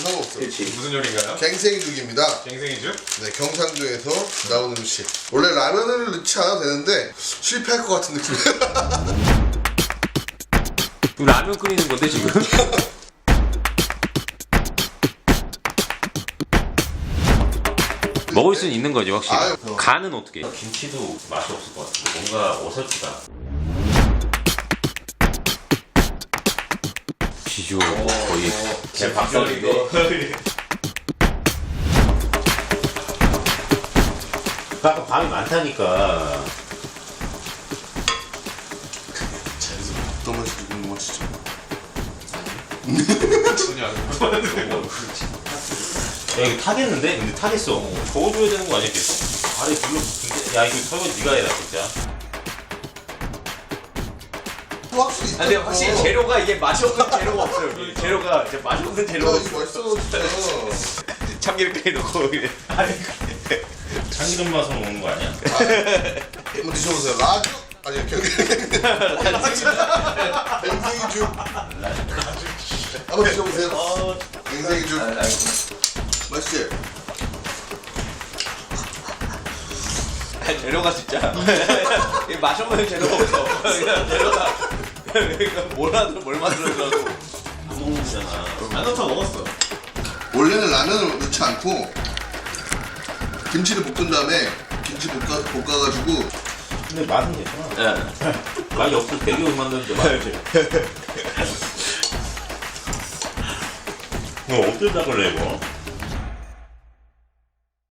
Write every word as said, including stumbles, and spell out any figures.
상관없어. 그렇지. 무슨 요리인가요? 갱생이죽입니다. 갱생이죽? 네, 경상도에서 나오는 음식. 원래 라면을 넣지 않아도 되는데 실패할 것 같은 느낌이야. 라면 끓이는 건데 지금? 먹을 수는 있는 거지 확실히. 아유. 간은 어떻게? 김치도 맛이 없을 것 같아. 뭔가 어설프다. 비주얼 거의 제 박살인데. 아까 밤이 많다니까. 자기서 어떤 맛인지 궁금하시죠? 전혀 안 야 이거 타겠는데? 근데 타겠어. 저어줘야 되는 거 아니야 계속? 아래 불러 붙은데? 야 이거 설거지 네가 해라 진짜. 확실히. 근데 확실히 있다. 재료가 이게 맛이 없는 재료가 없어요. 여기. 재료가 이제 맛이 없는 야, 재료가 이거 맛있어 진짜. 참기름까지 넣고 이래. 참기름 맛으로 먹는 거 아니야? 한번 드셔보세요. 라주. 아니 갱생이죽. 한번 드셔보세요. 갱생이죽. 맛있지? 아니, 재료가 진짜 이게 맛이 없는 재료가 없어. 그냥 재료가 그러니까 뭘 하든 뭘 만들어도 안 먹는 거잖아. 나도 먹었어. 원래는 라면을 넣지 않고 김치를 볶은 다음에 김치 볶아, 볶아가지고 근데 맛은 괜찮아. 예. 맛이 없어. 되게 만드는데 맛이. 이거 어쩌다 그래 이거?